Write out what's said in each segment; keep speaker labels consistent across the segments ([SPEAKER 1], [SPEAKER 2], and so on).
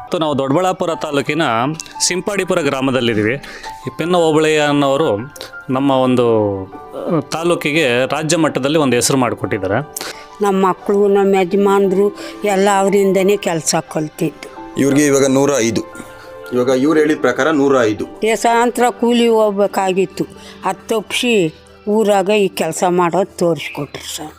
[SPEAKER 1] ಇವತ್ತು ನಾವು ದೊಡ್ಡಬಳ್ಳಾಪುರ ತಾಲೂಕಿನ ಸಿಂಪಾಡಿಪುರ ಗ್ರಾಮದಲ್ಲಿದ್ದೀವಿ. ಈ ಪೆನ್ನ ಹೋಬಳಿಯ ಅನ್ನೋರು ನಮ್ಮ ಒಂದು ತಾಲೂಕಿಗೆ ರಾಜ್ಯ ಮಟ್ಟದಲ್ಲಿ ಒಂದು ಹೆಸರು ಮಾಡಿಕೊಟ್ಟಿದ್ದಾರೆ.
[SPEAKER 2] ನಮ್ಮ ಮಕ್ಕಳು ನಮ್ಮ ಯಜಮಾನ್ರು ಎಲ್ಲ ಅವರಿಂದನೇ ಕೆಲಸ ಕಲ್ತಿದ್ದು.
[SPEAKER 3] ಇವ್ರಿಗೆ ಇವಾಗ 105. ಇವಾಗ ಇವ್ರು ಹೇಳಿದ ಪ್ರಕಾರ 105
[SPEAKER 2] ದೇಶಾಂತರ ಕೂಲಿ ಹೋಗ್ಬೇಕಾಗಿತ್ತು. ಅದು ತಪ್ಪಿಸಿ ಊರಾಗ ಈ ಕೆಲಸ ಮಾಡೋದು ತೋರಿಸ್ಕೊಟ್ರು ಸರ್.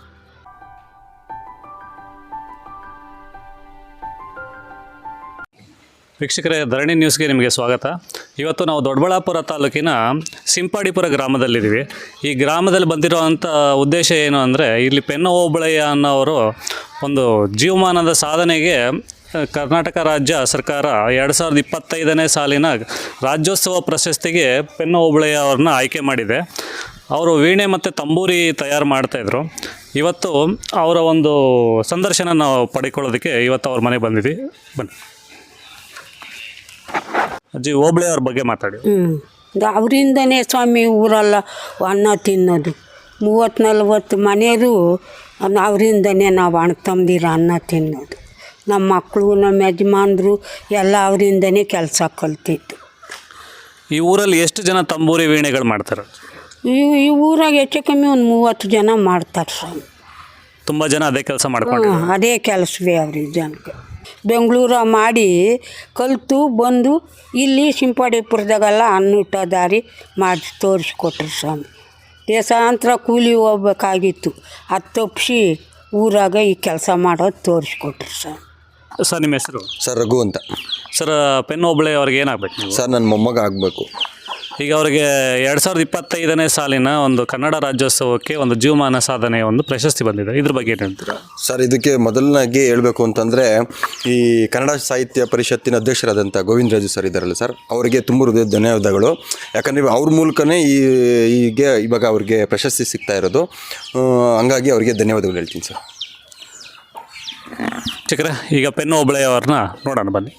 [SPEAKER 1] ವೀಕ್ಷಕರೇ, ಧರಣಿ ನ್ಯೂಸ್ಗೆ ನಿಮಗೆ ಸ್ವಾಗತ. ಇವತ್ತು ನಾವು ದೊಡ್ಡಬಳ್ಳಾಪುರ ತಾಲೂಕಿನ ಸಿಂಪಾಡಿಪುರ ಗ್ರಾಮದಲ್ಲಿದ್ದೀವಿ. ಈ ಗ್ರಾಮದಲ್ಲಿ ಬಂದಿರೋವಂಥ ಉದ್ದೇಶ ಏನು ಅಂದರೆ, ಇಲ್ಲಿ ಪೆನ್ನ ಹೋಬಳಿಯ ಅನ್ನೋರು ಒಂದು ಜೀವಮಾನದ ಸಾಧನೆಗೆ ಕರ್ನಾಟಕ ರಾಜ್ಯ ಸರ್ಕಾರ 2025ನೇ ಸಾಲಿನ ರಾಜ್ಯೋತ್ಸವ ಪ್ರಶಸ್ತಿಗೆ ಪೆನ್ನ ಹೋಬಳಿಯ ಅವ್ರನ್ನ ಆಯ್ಕೆ ಮಾಡಿದೆ. ಅವರು ವೀಣೆ ಮತ್ತು ತಂಬೂರಿ ತಯಾರು ಮಾಡ್ತಾಯಿದ್ರು. ಇವತ್ತು ಅವರ ಒಂದು ಸಂದರ್ಶನ ನಾವು ಪಡ್ಕೊಳ್ಳೋದಕ್ಕೆ ಇವತ್ತು ಅವ್ರ ಮನೆಗೆ ಬಂದಿದ್ವಿ. ಬನ್ನಿ ಅಜ್ಜಿ, ಹೋಬಳಿ ಅವ್ರ ಬಗ್ಗೆ ಮಾತಾಡಿ.
[SPEAKER 2] ಅವರಿಂದನೇ ಸ್ವಾಮಿ ಊರೆಲ್ಲ ಅನ್ನ ತಿನ್ನೋದು. 30-40 ಮನೆಯವರು ಅವರಿಂದನೇ ನಾವು ಅಣ್ಣ ತಮ್ಮದಿರ ಅನ್ನ ತಿನ್ನೋದು. ನಮ್ಮ ಮಕ್ಕಳು ನಮ್ಮ ಯಜಮಾನ್ರು ಎಲ್ಲ ಅವರಿಂದನೇ ಕೆಲಸ ಕಲ್ತಿದ್ದು.
[SPEAKER 1] ಈ ಊರಲ್ಲಿ ಎಷ್ಟು ಜನ ತಂಬೂರಿ ವೀಣೆಗಳು ಮಾಡ್ತಾರೆ?
[SPEAKER 2] ಈ ಊರಾಗ ಹೆಚ್ಚು ಕಮ್ಮಿ ಒಂದು 30 ಜನ ಮಾಡ್ತಾರೆ ಸ್ವಾಮಿ.
[SPEAKER 1] ತುಂಬ ಜನ ಅದೇ ಕೆಲಸ ಮಾಡ್ಕೊಂಡು
[SPEAKER 2] ಅದೇ ಕೆಲಸವೇ ಅವ್ರಿಗೆ ಜನಕ್ಕೆ. ಬೆಂಗಳೂರ ಮಾಡಿ ಕಲಿತು ಬಂದು ಇಲ್ಲಿ ಸಿಂಪಾಡಿಪುರದಾಗೆಲ್ಲ ಅನ್ನೂಟ ದಾರಿ ಮಾಡಿ ತೋರಿಸ್ಕೊಟ್ರು ಸ್ವಾಮಿ. ದೇಶಾಂತರ ಕೂಲಿ ಹೋಗ್ಬೇಕಾಗಿತ್ತು. ಅದು ತಪ್ಪಿಸಿ ಊರಾಗ ಈ ಕೆಲಸ ಮಾಡೋದು ತೋರಿಸ್ಕೊಟ್ರು ಸ್ವಾಮಿ.
[SPEAKER 1] ಸರ್, ನಿಮ್ಮ ಹೆಸರು?
[SPEAKER 3] ಸರ್, ರಘು ಅಂತ.
[SPEAKER 1] ಸರ್, ಪೆನ್ನ ಹೋಬಳಿ ಅವ್ರಿಗೆ ಏನಾಗಬೇಕು ನೀವು?
[SPEAKER 3] ಸರ್, ನನ್ನ ಮೊಮ್ಮಗ ಆಗಬೇಕು.
[SPEAKER 1] ಈಗ ಅವರಿಗೆ 2025ನೇ ಸಾಲಿನ ಒಂದು ಕನ್ನಡ ರಾಜ್ಯೋತ್ಸವಕ್ಕೆ ಒಂದು ಜೀವಮಾನ ಸಾಧನೆಯ ಒಂದು ಪ್ರಶಸ್ತಿ ಬಂದಿದೆ. ಇದ್ರ ಬಗ್ಗೆ ಏನು ಹೇಳ್ತೀರಾ?
[SPEAKER 3] ಸರ್, ಇದಕ್ಕೆ ಮೊದಲನಾಗಿ ಹೇಳಬೇಕು ಅಂತಂದರೆ, ಈ ಕನ್ನಡ ಸಾಹಿತ್ಯ ಪರಿಷತ್ತಿನ ಅಧ್ಯಕ್ಷರಾದಂಥ ಗೋವಿಂದರಾಜು ಸರ್ ಇದ್ದಾರಲ್ಲ ಸರ್, ಅವರಿಗೆ ತುಂಬ ಹೃದಯ ಧನ್ಯವಾದಗಳು. ಯಾಕಂದರೆ ಅವ್ರ ಮೂಲಕನೇ ಇವಾಗ ಅವ್ರಿಗೆ ಪ್ರಶಸ್ತಿ ಸಿಗ್ತಾ ಇರೋದು. ಹಂಗಾಗಿ ಅವರಿಗೆ ಧನ್ಯವಾದಗಳು ಹೇಳ್ತೀನಿ ಸರ್.
[SPEAKER 1] ಚಿಕ್ಕರೆ, ಈಗ ಪೆನ್ನ ಹೋಬಳಿಯವ್ರನ್ನ ನೋಡೋಣ ಬನ್ನಿ.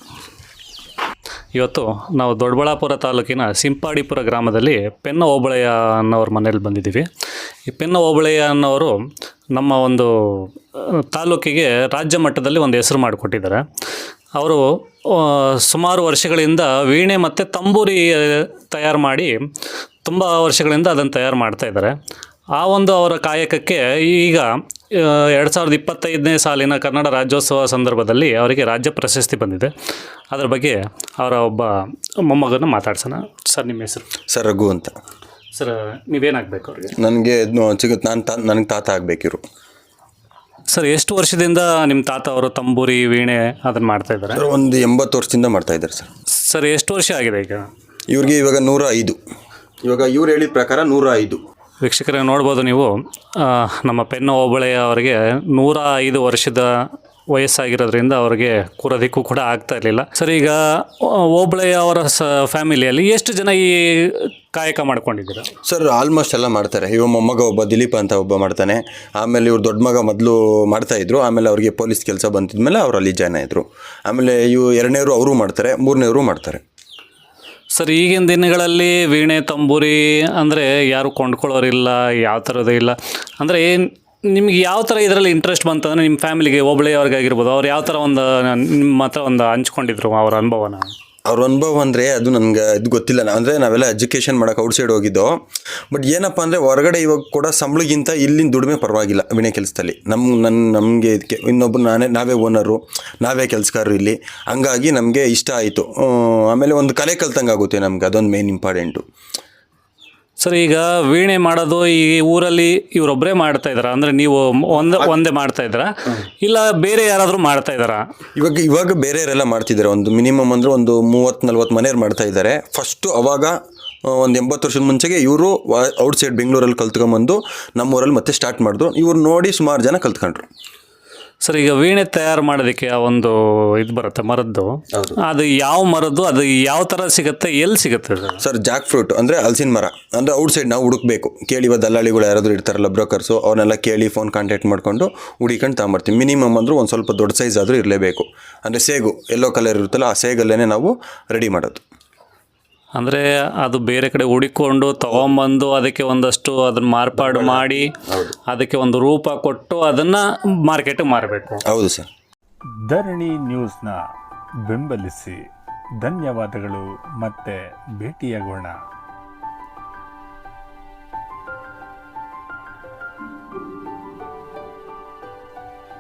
[SPEAKER 1] ಇವತ್ತು ನಾವು ದೊಡ್ಡಬಳ್ಳಾಪುರ ತಾಲೂಕಿನ ಸಿಂಪಾಡಿಪುರ ಗ್ರಾಮದಲ್ಲಿ ಪೆನ್ನ ಹೋಬಳಿಯ ಅನ್ನೋರ ಮನೇಲಿ ಬಂದಿದ್ದೀವಿ. ಈ ಪೆನ್ನ ಹೋಬಳಿಯ ಅನ್ನೋರು ನಮ್ಮ ಒಂದು ತಾಲೂಕಿಗೆ ರಾಜ್ಯ ಮಟ್ಟದಲ್ಲಿ ಒಂದು ಹೆಸರು ಮಾಡಿಕೊಟ್ಟಿದ್ದಾರೆ. ಅವರು ಸುಮಾರು ವರ್ಷಗಳಿಂದ ವೀಣೆ ಮತ್ತು ತಂಬೂರಿ ತಯಾರು ಮಾಡಿ ತುಂಬ ವರ್ಷಗಳಿಂದ ಅದನ್ನು ತಯಾರು ಮಾಡ್ತಾಯಿದ್ದಾರೆ. ಆ ಒಂದು ಅವರ ಕಾಯಕಕ್ಕೆ ಈಗ 2025ನೇ ಸಾಲಿನ ಕನ್ನಡ ರಾಜ್ಯೋತ್ಸವ ಸಂದರ್ಭದಲ್ಲಿ ಅವರಿಗೆ ರಾಜ್ಯ ಪ್ರಶಸ್ತಿ ಬಂದಿದೆ. ಅದರ ಬಗ್ಗೆ ಅವರ ಒಬ್ಬ ಮೊಮ್ಮಗನ ಮಾತಾಡ್ಸೋಣ. ಸರ್, ನಿಮ್ಮ ಹೆಸರು?
[SPEAKER 3] ಸರ್, ರಘು ಅಂತ.
[SPEAKER 1] ಸರ್, ನೀವೇನಾಗಬೇಕು ಅವ್ರಿಗೆ?
[SPEAKER 3] ನನಗೆ ನನಗೆ ತಾತ ಆಗಬೇಕಿರು.
[SPEAKER 1] ಸರ್, ಎಷ್ಟು ವರ್ಷದಿಂದ ನಿಮ್ಮ ತಾತ ಅವರು ತಂಬೂರಿ ವೀಣೆ ಅದನ್ನು ಮಾಡ್ತಾಯಿದ್ದಾರೆ?
[SPEAKER 3] ಒಂದು 80 ವರ್ಷದಿಂದ ಮಾಡ್ತಾಯಿದ್ದಾರೆ ಸರ್.
[SPEAKER 1] ಸರ್, ಎಷ್ಟು ವರ್ಷ ಆಗಿದೆ ಈಗ
[SPEAKER 3] ಇವ್ರಿಗೆ? ಇವಾಗ 105. ಇವಾಗ ಇವ್ರು ಹೇಳಿದ ಪ್ರಕಾರ 105.
[SPEAKER 1] ವೀಕ್ಷಕರೇ, ನೋಡ್ಬೋದು ನೀವು, ನಮ್ಮ ಪೆನ್ನ ಹೋಬಳಿಯ ಅವರಿಗೆ 105 ವರ್ಷದ ವಯಸ್ಸಾಗಿರೋದ್ರಿಂದ ಅವರಿಗೆ ಕೂರೋದಕ್ಕೂ ಕೂಡ ಆಗ್ತಾ ಇರಲಿಲ್ಲ. ಸರ್, ಈಗ ಹೋಬಳಿಯ ಅವರ ಫ್ಯಾಮಿಲಿಯಲ್ಲಿ ಎಷ್ಟು ಜನ ಈ ಕಾಯಕ ಮಾಡ್ಕೊಂಡಿದ್ದೀರಾ?
[SPEAKER 3] ಸರ್, ಆಲ್ಮೋಸ್ಟ್ ಎಲ್ಲ ಮಾಡ್ತಾರೆ. ಇವ ಮೊಮ್ಮಗ ಒಬ್ಬ ದಿಲೀಪ್ ಅಂತ ಒಬ್ಬ ಮಾಡ್ತಾನೆ. ಆಮೇಲೆ ಇವ್ರು ದೊಡ್ಡ ಮಗ ಮೊದಲು ಮಾಡ್ತಾಯಿದ್ರು. ಆಮೇಲೆ ಅವ್ರಿಗೆ ಪೊಲೀಸ್ ಕೆಲಸ ಬಂತಿದ್ಮೇಲೆ ಅವ್ರು ಅಲ್ಲಿ ಜಾಯ್ನ್ ಆಯಿತು. ಆಮೇಲೆ ಇವು 2ನೇವರು ಅವರು ಮಾಡ್ತಾರೆ, 3ನೇವರು ಮಾಡ್ತಾರೆ.
[SPEAKER 1] ಸರ್, ಈಗಿನ ದಿನಗಳಲ್ಲಿ ವೀಣೆ ತಂಬೂರಿ ಅಂದರೆ ಯಾರು ಕೊಂಡ್ಕೊಳ್ಳೋರಿಲ್ಲ, ಯಾವ ಥರದ್ದು ಇಲ್ಲ. ಅಂದರೆ ನಿಮ್ಗೆ ಯಾವ ಥರ ಇದರಲ್ಲಿ ಇಂಟ್ರೆಸ್ಟ್ ಬಂತು ಅಂದರೆ, ನಿಮ್ಮ ಫ್ಯಾಮಿಲಿಗೆ ಹೋಬಳಿಯವ್ರಿಗಾಗಿರ್ಬೋದು, ಅವ್ರು ಯಾವ ಥರ ಒಂದು ನಿಮ್ಮ ಹತ್ರ ಒಂದು ಹಂಚ್ಕೊಂಡಿದ್ರು ಅವ್ರ ಅನುಭವನ?
[SPEAKER 3] ಅವ್ರ ಅನುಭವ ಅಂದರೆ ಅದು ನನಗೆ ಇದು ಗೊತ್ತಿಲ್ಲ. ಅಂದರೆ ನಾವೆಲ್ಲ ಎಜುಕೇಷನ್ ಮಾಡೋಕೆ ಔಟ್ಸೈಡ್ ಹೋಗಿದ್ದೋ. ಬಟ್ ಏನಪ್ಪ ಅಂದರೆ, ಹೊರಗಡೆ ಇವಾಗ ಕೂಡ ಸಂಬಳಗಿಂತ ಇಲ್ಲಿನ ದುಡಿಮೆ ಪರವಾಗಿಲ್ಲ ವೀಣೆ ಕೆಲಸದಲ್ಲಿ. ನಮಗೆ ಇದಕ್ಕೆ ಇನ್ನೊಬ್ಬರು ನಾವೇ ಓನರು, ನಾವೇ ಕೆಲಸಗಾರರು ಇಲ್ಲಿ. ಹಂಗಾಗಿ ನಮಗೆ ಇಷ್ಟ ಆಯಿತು. ಆಮೇಲೆ ಒಂದು ಕಲೆ ಕಲ್ತಂಗೆ ಆಗುತ್ತೆ ನಮ್ಗೆ, ಅದೊಂದು ಮೇನ್ ಇಂಪಾರ್ಟೆಂಟು.
[SPEAKER 1] ಸರ್, ಈಗ ವೀಣೆ ಮಾಡೋದು ಈ ಊರಲ್ಲಿ ಇವರೊಬ್ಬರೇ ಮಾಡ್ತಾ ಇದ್ದಾರಾ? ಅಂದರೆ ನೀವು ಒಂದೇ ಮಾಡ್ತಾ ಇದ್ದೀರಾ, ಇಲ್ಲ ಬೇರೆ ಯಾರಾದರೂ ಮಾಡ್ತಾ ಇದ್ದಾರಾ?
[SPEAKER 3] ಇವಾಗ ಬೇರೆಯವರೆಲ್ಲ ಮಾಡ್ತಿದ್ದಾರೆ. ಒಂದು ಮಿನಿಮಮ್ ಅಂದರೆ ಒಂದು 30-40 ಮನೆಯವ್ರು ಮಾಡ್ತಾ ಇದ್ದಾರೆ. ಫಸ್ಟು ಅವಾಗ ಒಂದು 80 ವರ್ಷದ ಮುಂಚೆಗೆ ಇವರು ಔಟ್ಸೈಡ್ ಬೆಂಗಳೂರಲ್ಲಿ ಕಲ್ತ್ಕೊಂಬಂದು ನಮ್ಮೂರಲ್ಲಿ ಮತ್ತೆ ಸ್ಟಾರ್ಟ್ ಮಾಡಿದ್ರು. ಇವ್ರು ನೋಡಿ ಸುಮಾರು ಜನ ಕಲ್ತ್ಕೊಂಡ್ರು.
[SPEAKER 1] ಸರ್, ಈಗ ವೀಣೆ ತಯಾರು ಮಾಡೋದಕ್ಕೆ ಒಂದು ಇದು ಬರುತ್ತೆ ಮರದ್ದು, ಅದು ಯಾವ ಮರದ್ದು, ಅದು ಯಾವ ಥರ ಸಿಗುತ್ತೆ, ಎಲ್ಲಿ ಸಿಗುತ್ತೆ?
[SPEAKER 3] ಸರ್, ಜಾಕ್ ಫ್ರೂಟ್ ಅಂದರೆ ಹಲಸಿನ ಮರ. ಅಂದರೆ ಔಟ್ಸೈಡ್ ನಾವು ಹುಡುಕ್ಬೇಕು. ಕೇಳಿ ದಲ್ಲಾಳಿಗಳು ಯಾರಾದರೂ ಇರ್ತಾರಲ್ಲ, ಬ್ರೋಕರ್ಸು, ಅವ್ರನ್ನೆಲ್ಲ ಕೇಳಿ ಫೋನ್ ಕಾಂಟ್ಯಾಕ್ಟ್ ಮಾಡಿಕೊಂಡು ಹುಡುಕೊಂಡು ತಗೊಂಬರ್ತೀವಿ. ಮಿನಿಮಮ್ ಅಂದರೂ ಒಂದು ಸ್ವಲ್ಪ ದೊಡ್ಡ ಸೈಜ್ ಆದರೂ ಇರಲೇಬೇಕು. ಅಂದರೆ ಸೇಗು ಎಲ್ಲೋ ಕಲರ್ ಇರುತ್ತಲ್ಲ, ಆ ಸೇಗಲ್ಲೇ ನಾವು ರೆಡಿ ಮಾಡೋದು.
[SPEAKER 1] ಅಂದರೆ ಅದು ಬೇರೆ ಕಡೆ ಹುಡುಕೊಂಡು ತೊಗೊಂಬಂದು ಅದಕ್ಕೆ ಒಂದಷ್ಟು ಅದನ್ನು ಮಾರ್ಪಾಡು ಮಾಡಿ ಅದಕ್ಕೆ ಒಂದು ರೂಪ ಕೊಟ್ಟು ಅದನ್ನು ಮಾರ್ಕೆಟಿಗೆ ಮಾರಬೇಕು.
[SPEAKER 3] ಹೌದು ಸರ್.
[SPEAKER 4] ಧರಣಿ ನ್ಯೂಸ್ನ ಬೆಂಬಲಿಸಿ. ಧನ್ಯವಾದಗಳು. ಮತ್ತೆ ಭೇಟಿಯಾಗೋಣ.